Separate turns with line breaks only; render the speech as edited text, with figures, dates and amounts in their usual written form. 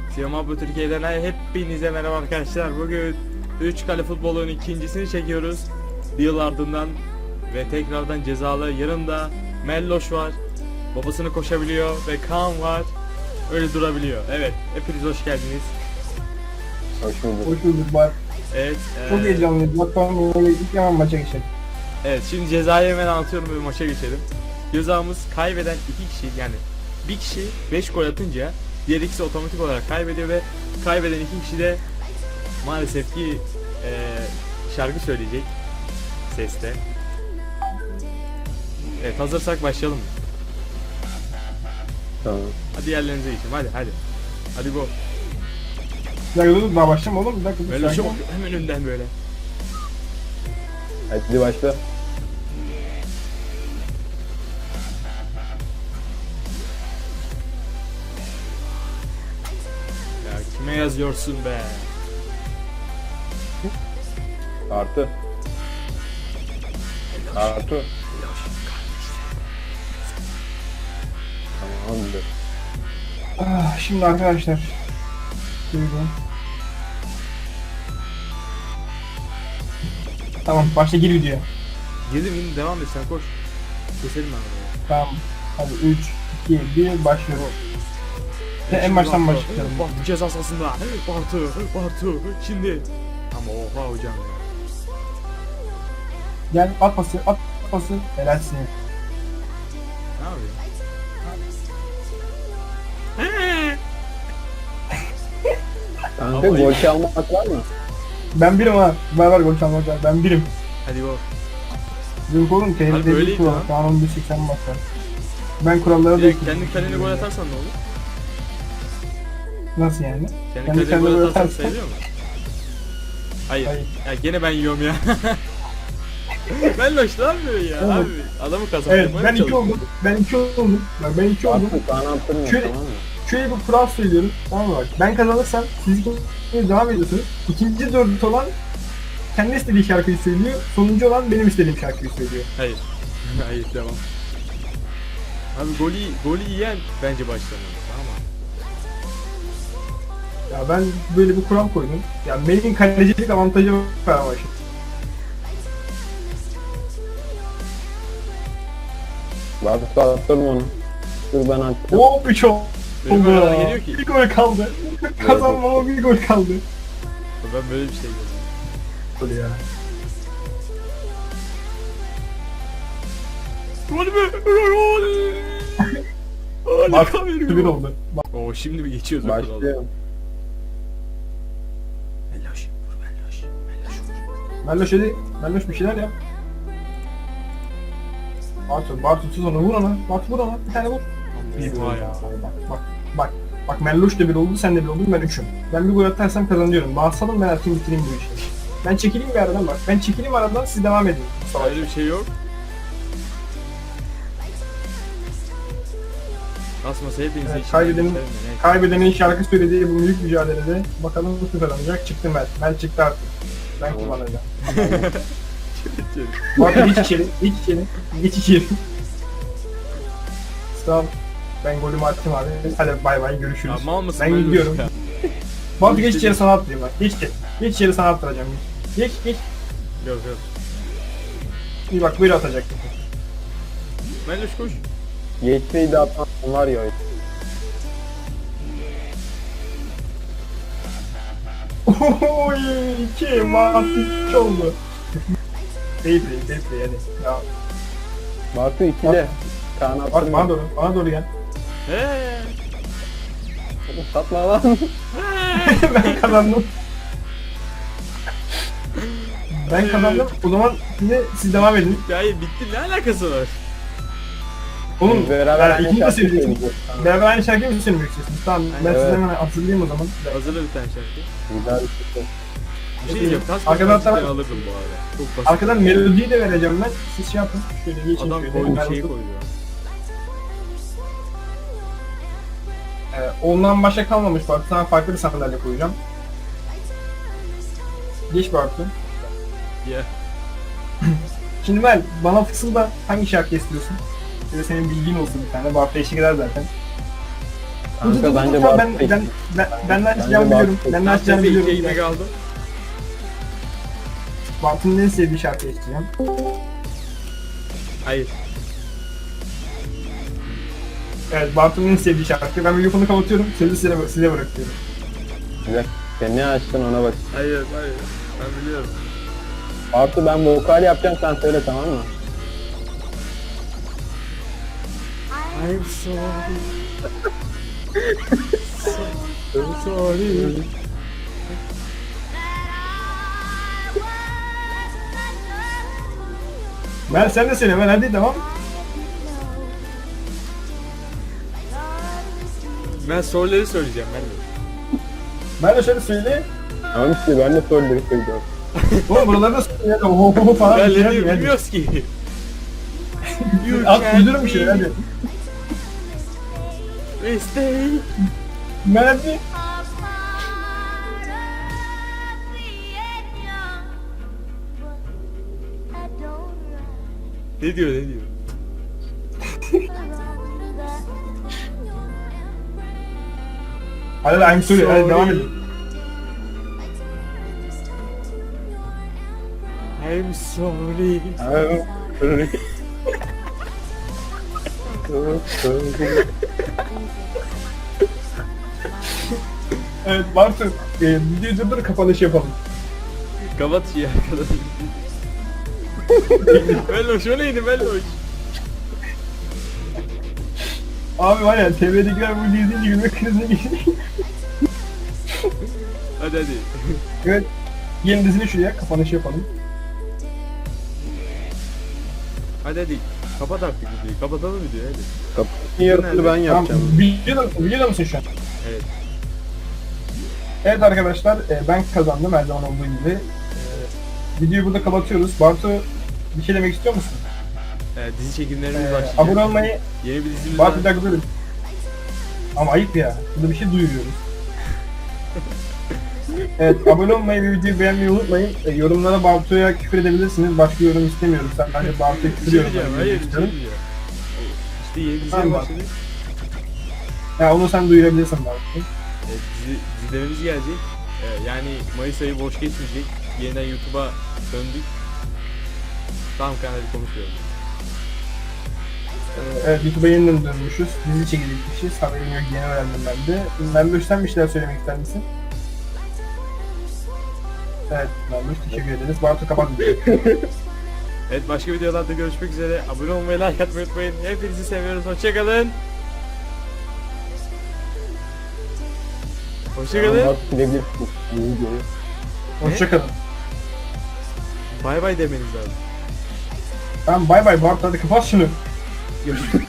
Siyama bu Türkiye'den hepinize merhaba arkadaşlar. Bugün 3 kale futbolun ikincisini çekiyoruz. Bir yıl ardından ve tekrardan cezalı. Yanımda Melloş var. Babasını koşabiliyor ve Kaan var. Öyle durabiliyor. Evet, hepiniz hoş geldiniz.
Hoş bulduk.
Hoş bulduk bak.
Evet.
Çok heyecanlıyım. Bakalım öyle gittik hemen maça geçelim.
Evet, şimdi cezayı hemen anlatıyorum ve maça geçelim. Cezamız kaybeden 2 kişi, yani bir kişi 5 gol atınca diğer ikisi otomatik olarak kaybediyor ve kaybeden 2 kişi de maalesef ki şarkı söyleyecek seste. Evet, hazırsak başlayalım mı?
Tamam.
Hadi yerlerinize geçin, hadi. Hadi go.
Bir dakika dur daha başlama oğlum. Bir dakika dur.
Böyle
sakin
şu
ol.
hemen önden böyle.
Hadi başla.
Ya kime yazıyorsun be?
Artı. Artı. Tamamdır.
Şimdi arkadaşlar. Buyurun. Tamam başla gir videoya.
Girdim yine devam et, sen koş. Keselim abi.
Tamam. Hadi 3, 2, 1 başlıyor. En baştan başlayalım.
Bartu ceza sahasında. Bartu. Şimdi. Ama oha hocam ya.
Gel at pası. Helalsin.
Ne yapıyor?
Kanka
Ama
gol çalmak var mı?
Ben birim ha. Var gol çalmak var. Ben birim.
Hadi go.
Yok oğlum
Abi
tehlikeli
öyleydi
bir kural.
lan.
Kanun 180 başlar. Ben kurallara da
Direkt kendi kalene gol atarsan ne olur?
Nasıl yani?
Kendi
Kendi
kalene
kalene
gol
gol
atarsan
atarsan-
sayılıyor mu? Hayır.
Hayır.
Ya gene ben yiyorum ya. Ben loş lan böyle ya
Evet.
abi. Adamı kazandım.
Evet ben 2 oldum. Ben 2 oldum. Bak ben 2 oldum.
Artı sana attırmıyor,
Şöyle-
tamam mı?
Şöyle bir kural söylüyorum. Tamam mı bak. Ben kazanırsam siz ikiniz devam ediyorsunuz. İkinci dördüncü olan kendi istediği şarkıyı söylüyor. Sonuncu olan benim istediğim şarkıyı söylüyor.
Hayır. Hayır devam. Abi golü yiyen bence başlamalı. Tamam mı?
Ya ben böyle bir kural koydum. Ya benim kalecilik avantajı var ama şimdi.
Artı attırma onu. Dur ben attım.
Hop 3 oldu.
Benim arada geliyor ki.
Bir gol kaldı. Kazanmama bir gol kaldı.
Ben böyle bir şey görmedim.
Gol ya.
Gol mü? Gol!
Bak
Harika
1
veriyor.
oldu. Bak.
Oo şimdi bir geçiyoruz o kuralı.
Başlıyorum.
Melloş, vur Melloş. Melloş vur.
Melloş hadi. Melloş bir şeyler yap. Bartu tut onu vur ona. Bartu vur ona. Bir tane vur. Bir
Oha
gol
ya.
ya. Bak. Bak Melloş da bir oldu, sen de bir oldun, ben 3'üm. Ben bir gol atarsam kazanıyorum. Bağırsalım ben atayım bitireyim bu işi. Ben çekileyim bir aradan bak. Ben çekileyim aradan siz devam edin.
Öyle bir şey yok. Nasılsa hepinize
Evet,
işin
kaybedenin-
var. Evet.
Kaybedenin şarkı söylediği bu büyük mücadelede bakalım nasıl kazanacak. Çıktı Mel çıktı artık. Ben kullanacağım. Bak geç içeri. Geç içeri. Tamam. Ben golümü attım abi. Hadi bay bay görüşürüz.
Ya mal mısın
Ben
Melloş
gidiyorum.
ya?
Bak geç içeri sana attırayım bak. Geç içeri. Geç içeri sana attıracağım. Geç.
Yok.
İyi bak böyle atacak.
Melloş koş.
Geçmeyi de atan var ya.
Oy 2 mahsus oldu. Fair play hadi. Ya
Bartu 2'de. Kaan
bak
attırma.
bana doğru gel.
Eee.
Oğlum satma lan.
Ben kazandım. Ben kazandım. O zaman yine siz devam edin.
Ya hayır, bitti, ne alakası var?
Oğlum
Beraber aynı
ikinci de
şarkı
söyleyeceksiniz.
söyleyeceğiz.
Beraber aynı şarkıyı mı söylemek istiyorsunuz? Tamam ben
Evet.
size hemen hatırlayayım o zaman.
Hazırla bir tane şarkı.
Güzel bir şey.
Bir şey diyeceğim. Kas
Arkadan
cidden
tamam.
alırdım bu arada. Çok basit.
Arkadan melodiyi de vereceğim ben. Siz şey yapın. Şöyle geçin
Adam
şöyle.
koydu
Ben
şeyi
oturup-
koydu.
Ondan başka kalmamış bak. Sana farklı bir sandalye koyacağım. Geç Bartu.
Ya.
Şimdi ben bana fısılda hangi şarkı istiyorsun? Ya da senin bilgin olsun bir tane. Bartu eşlik eder zaten.
Kanka bence
Tamam,
Bartu da
ben de açacağımı
Bence
biliyorum.
Bartu-
Ben de açacağımı
Size iki
biliyorum.
ekmek aldım.
Bartu'nun en sevdiği şarkıyı isteyeceğim.
Hayır.
Evet, Bartu'nun en sevdiği şarkı. Ben mikrofonu kapatıyorum, sözü size bırakıyorum.
Güzel. Sen ne açtın ona bak.
Hayır. Ben biliyorum.
Bartu ben vokal yapacağım sen söyle tamam mı?
I'm sorry. So sorry.
Ben sen de söyle, ben hadi tamam.
Ben soruları söyleyeceğim ben de.
Ben de şöyle söyle.
Tamam işte ben de soruları söylüyorum.
Oğlum buraları da söyle. Ho falan.
Ben
bir şey
ne
yapayım, hadi.
bilmiyoruz ki. You
At
can't
uydurum bir şey
be
hadi.
mistake.
Ben hadi.
Ne diyor?
Hadi I'm sorry, hadi devam edin.
I'm sorry.
Evet Bartu, videoyu durdur kapanış yapalım.
Kapat şu arkadaşım. Melloş o neydi Melloş?
Abi var ya TV'dekiler bu videoyu izleyince gülme krizine geçti.
Hadi.
Evet. Yeni dizini şuraya kapanış yapalım.
Hadi. Kapat artık videoyu. Kapatalım videoyu hadi.
Kapının yarısını ben yapacağım.
Tamam, videoda mısın şu an?
Evet.
Evet arkadaşlar, ben kazandım her zaman olduğu gibi. Videoyu burada kapatıyoruz. Bartu, bir şey demek istiyor musun?
Dizi çekimlerimiz başlayacak.
Abone olmayı...
Yeni bir dizimiz var.
Bartu bir dakika durun. Ama ayıp ya. Burada bir şey duyuruyoruz. Evet, abone olmayı ve videoyu beğenmeyi unutmayın. Yorumlara Bartu'ya küfür edebilirsiniz. Başka yorum istemiyoruz. Sen bence Bartu'ya
Bir
küfür
şey
yorum
diyeceğim. Hayır bir şey diyeceğim. İşte yeni diziye
Tamam.
başladık.
Ya onu sen duyurabilirsin Bartu.
Dizilerimiz gelecek. Yani Mayıs ayı boş geçmeyecek. Yeniden YouTube'a döndük. Tamam kanalı konuşuyorum.
Evet, YouTube'a yeniden dönmüşüz. Dizi çekecekmişiz. Haberim yok, yeni öğrendim ben de. Memduş, sen bir şeyler söylemek ister misin? Evet, Memduş teşekkür ederiz. Bartu kapat videoyu.
Evet başka videolarda görüşmek üzere. Abone olmayı, like atmayı unutmayın. Hepinizi seviyoruz. Hoşçakalın. Hoşçakalın.
Bartu silebilirsin bu videoyu.
Hoşçakalın.
Bay bay demeniz lazım.
Tamam bay bay Bartu, hadi kapat şunu.
Görüşürüz.